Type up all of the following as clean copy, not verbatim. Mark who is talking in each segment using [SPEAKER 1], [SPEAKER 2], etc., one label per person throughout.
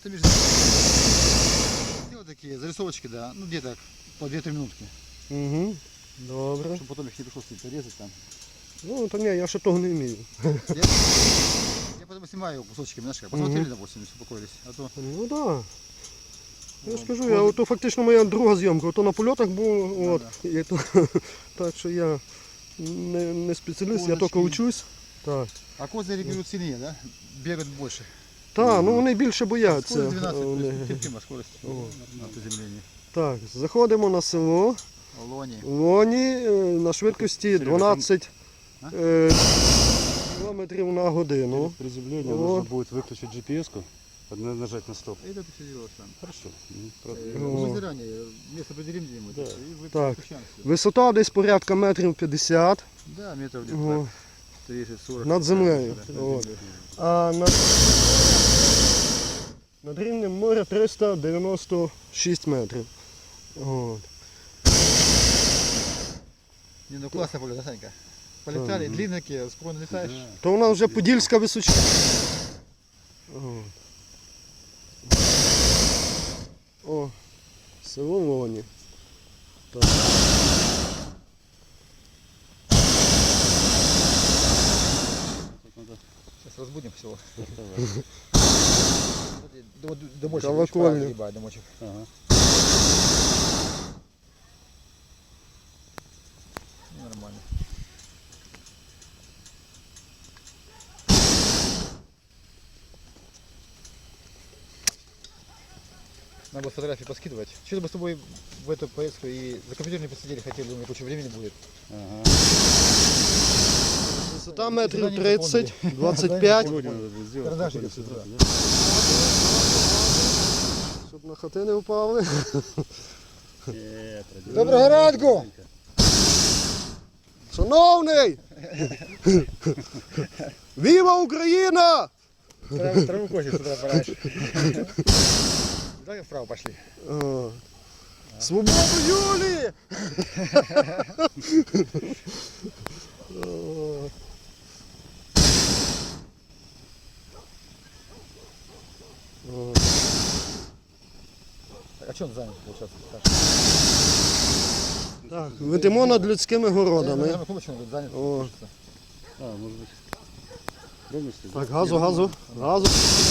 [SPEAKER 1] это между... Вот такие зарисовочки, да, ну где-то по 2-3 минутки.
[SPEAKER 2] Угу. Добре.
[SPEAKER 1] Чтобы потом их не пришлось резать там.
[SPEAKER 2] Ну, то ні, я ще того не вмію.
[SPEAKER 1] Я потом снимаю кусочками, знаешь, как посмотрели, допустим, и успокоились. А то...
[SPEAKER 2] Ну так. Да. Я ж кажу, ото фактично моя друга зйомка, ото на польотах був, от, і то, так що я не спеціаліст, я тільки учусь. Так.
[SPEAKER 1] А козыри берут сильнее, да? Бегают больше.
[SPEAKER 2] Так, ну вони більше бояться.
[SPEAKER 1] Скорость 12, терпима скорость на приземлении.
[SPEAKER 2] Так, заходимо на село.
[SPEAKER 1] Лони.
[SPEAKER 2] Лоні на швидкості 12 км на годину.
[SPEAKER 3] Приземление нужно будет выключить GPS-ку, нажать на стоп.
[SPEAKER 1] Это ты все делаешь сам.
[SPEAKER 3] Хорошо.
[SPEAKER 1] Мы заранее место определим где-нибудь.
[SPEAKER 2] Да.
[SPEAKER 1] И вы
[SPEAKER 2] Так.
[SPEAKER 1] подключаемся.
[SPEAKER 2] Висота десь порядка метрів 50
[SPEAKER 1] Да, метров где-то 30-40.
[SPEAKER 2] над землею.
[SPEAKER 1] Да,
[SPEAKER 2] От. А над рівнем моря 396 метрів. От.
[SPEAKER 1] Не, ну классно полет, да, Санька? Полетали, длинненькие, спокойно летаешь.
[SPEAKER 2] То у нас вже Подільська височина. От. О, село Лоні. Так.
[SPEAKER 1] Сейчас разбудим всего. Домочек.
[SPEAKER 2] Колокольня.
[SPEAKER 1] Ебать, домочек.
[SPEAKER 3] Ага.
[SPEAKER 1] Ну, нормально. Надо было фотографии поскидывать. Что-то мы с тобой в эту поездку и за компьютер не посидели, хотели, у меня куча времени будет.
[SPEAKER 3] Ага.
[SPEAKER 2] Висота метрів 30, 25.
[SPEAKER 3] Сегодня надо будет сделать.
[SPEAKER 1] Карандашик
[SPEAKER 3] такой
[SPEAKER 1] отсюда.
[SPEAKER 3] высоты, да?
[SPEAKER 2] Щоб на хати не впали.
[SPEAKER 1] Доброго ранку!
[SPEAKER 2] Шановний! Віва Україна!
[SPEAKER 1] Траву косит с утра пораньше. Давай вправо пошли.
[SPEAKER 2] О. Свободу Юлії! О. О.
[SPEAKER 1] Так, а что он занят, получается?
[SPEAKER 2] Так, летимо над людськими
[SPEAKER 1] Я,
[SPEAKER 2] городами.
[SPEAKER 1] наверное, кулачок он занят.
[SPEAKER 2] О.
[SPEAKER 3] А, может быть. Полностью?
[SPEAKER 2] Так, газу, газу, газу.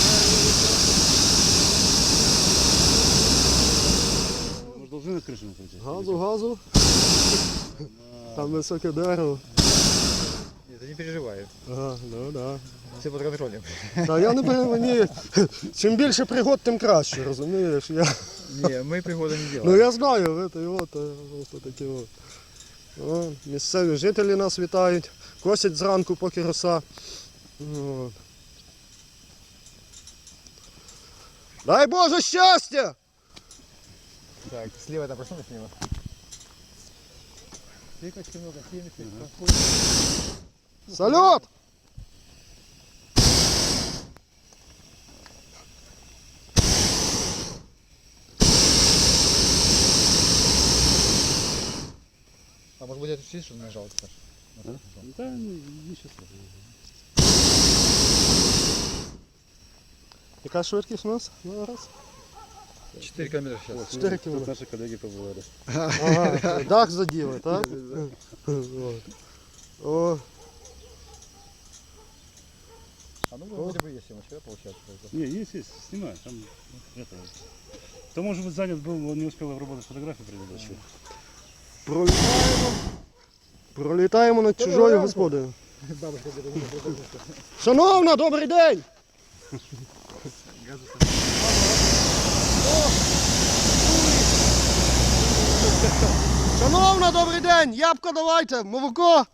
[SPEAKER 3] Мы же должны над крышей накрутить.
[SPEAKER 2] Газу, газу. Там високе дерево.
[SPEAKER 1] Нет, ты не переживай.
[SPEAKER 2] Ага, ну да.
[SPEAKER 1] Все под контролем.
[SPEAKER 2] Та я не мені. Чим більше пригод, тим краще, розумієш? Я...
[SPEAKER 1] Не, мы пригода не
[SPEAKER 2] Ну
[SPEAKER 1] делаем.
[SPEAKER 2] я знаю, от такі от. О, місцеві жителі нас вітають, косять зранку, поки роса. От. Дай Боже щастя!
[SPEAKER 1] Так, слева там проснулись слева. Тыкочки много, темечек,
[SPEAKER 2] Салют!
[SPEAKER 1] А может быть это чуть что нажал, Саш?
[SPEAKER 3] Да, ничего страшного.
[SPEAKER 2] Яка швидкість у нас зараз?
[SPEAKER 1] 4 километра сейчас.
[SPEAKER 2] 4
[SPEAKER 3] Тут
[SPEAKER 2] кілометри.
[SPEAKER 3] наши коллеги побывали.
[SPEAKER 2] Ага, дах заділи, так? От. О,
[SPEAKER 1] А ну вроде бы есть съемочка, да, получается?
[SPEAKER 3] Не, есть, снимай. Там это. Кто, может быть, занят был, он не успел обработать фотографию предыдущую.
[SPEAKER 2] пролітаємо над чужою господою.
[SPEAKER 1] Бабушка где-то.
[SPEAKER 2] Шановна, добрий день! Шановна, добрий день! Ябко давайте, молоко!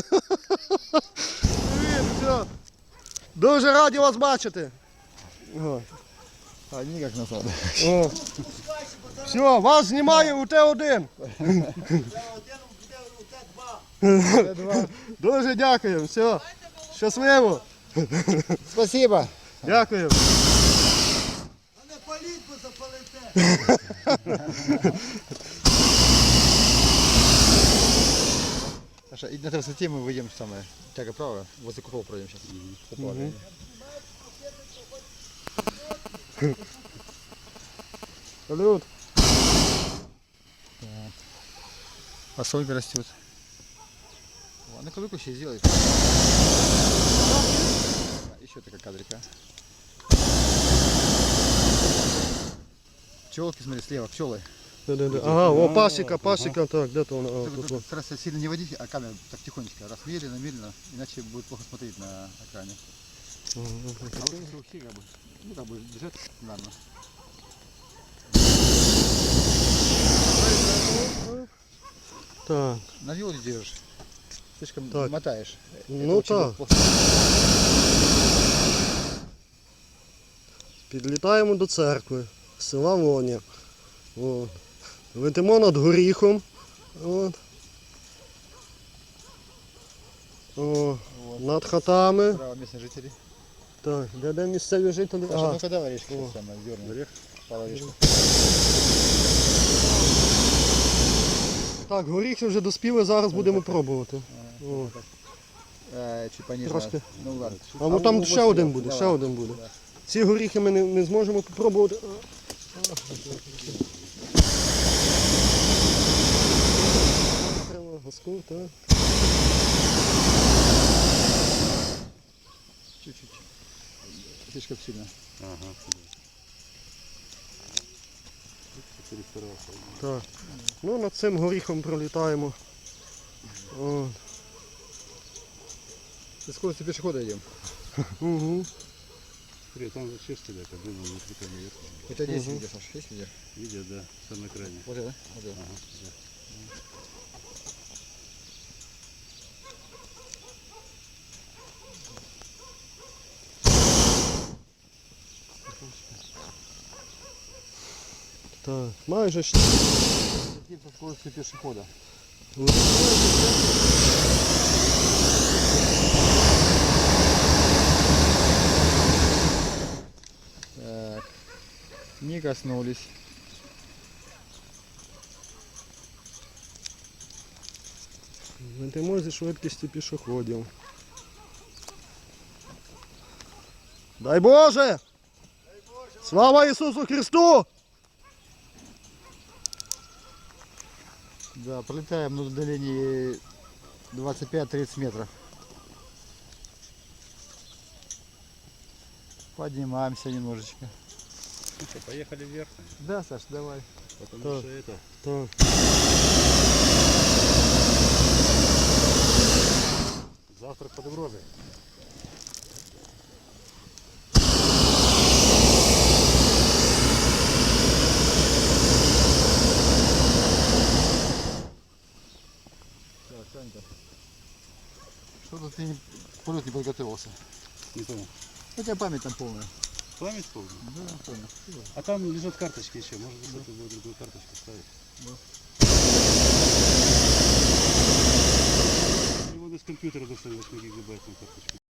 [SPEAKER 2] Привіт, все. Дуже раді вас бачити. О.
[SPEAKER 1] А, никак назад.
[SPEAKER 2] О. Все, вас знімає УТ-1. Дуже дякую, все. Щасливо.
[SPEAKER 1] Спасибо.
[SPEAKER 2] Дякую.
[SPEAKER 4] Не паліть, бо запалите.
[SPEAKER 1] Саша, и на трассе мы выйдем самое. Тяга право, возле купол пройдем сейчас.
[SPEAKER 2] Салют.
[SPEAKER 1] А сколько растет? О, ну-ка выпущи, сделай. Еще такая кадрика. Пчелки, смотри, слева, пчелы.
[SPEAKER 2] Да. Ага, о, пасека, так, где-то он.
[SPEAKER 1] Тут старайся сильно не водить, а камеру так тихонечко, раз медленно, иначе будет плохо смотреть на экране. А вот вообще как бы бежать нормально.
[SPEAKER 2] Так,
[SPEAKER 1] На вилке держишь, слишком
[SPEAKER 2] Так.
[SPEAKER 1] мотаешь.
[SPEAKER 2] ну
[SPEAKER 1] очень
[SPEAKER 2] так.
[SPEAKER 1] плохо.
[SPEAKER 2] Підлітаємо до церкви, села Воня. От. Летимо над горіхом. От. О,
[SPEAKER 1] Вот.
[SPEAKER 2] над хатами.
[SPEAKER 1] Справа местные жители.
[SPEAKER 2] Так, де місцеві жителі?
[SPEAKER 1] Саша,
[SPEAKER 2] Ага.
[SPEAKER 1] ну-ка давай орешки
[SPEAKER 2] О.
[SPEAKER 1] самое, дерни. Пару орешков.
[SPEAKER 2] Так, горіхи вже доспіли, зараз будемо пробувати. О.
[SPEAKER 1] Чуть пониже.
[SPEAKER 2] Трошки.
[SPEAKER 1] Ну ладно.
[SPEAKER 2] А ну там ще один буде,
[SPEAKER 1] Давай.
[SPEAKER 2] ще один буде. Ці горіхи ми не зможемо попробувати. Газку, так.
[SPEAKER 1] Чуть-чуть. Слишком сильно.
[SPEAKER 3] Ага. Перестарался.
[SPEAKER 2] Так. Ну, над цим горіхом пролітаємо. О.
[SPEAKER 1] Со скоростью пешехода идем.
[SPEAKER 2] Угу.
[SPEAKER 3] Смотри, там вообще стоят, а блин, не прикольно наверх.
[SPEAKER 1] Это здесь
[SPEAKER 2] Мгм.
[SPEAKER 1] видео, Саша, есть видео?
[SPEAKER 3] Видео, да, самое крайнее.
[SPEAKER 1] Вот это? Вот это.
[SPEAKER 3] Ага, да.
[SPEAKER 2] Так, майже ще.
[SPEAKER 1] Летим со скоростью пешехода. Так. Не коснулись.
[SPEAKER 2] Летимо зі швидкістю пішоходів. Дай Боже! Слава Ісусу Христу!
[SPEAKER 1] Да, пролетаем на удалении 25-30 метров. Поднимаемся немножечко.
[SPEAKER 3] Ну что, поехали вверх,
[SPEAKER 1] Да, Саш, давай.
[SPEAKER 3] потому
[SPEAKER 2] Так.
[SPEAKER 3] что это...
[SPEAKER 2] Так.
[SPEAKER 3] Завтрак под угрозой.
[SPEAKER 1] Так, Санька. Что-то ты полет не подготовился.
[SPEAKER 3] Не понял.
[SPEAKER 1] У тебя память там полная.
[SPEAKER 3] Память полная?
[SPEAKER 1] Да, понял.
[SPEAKER 3] А там лежат карточки еще. Может быть, это будет другую карточку ставить. Его из компьютера достали 8 гигабайтную карточку.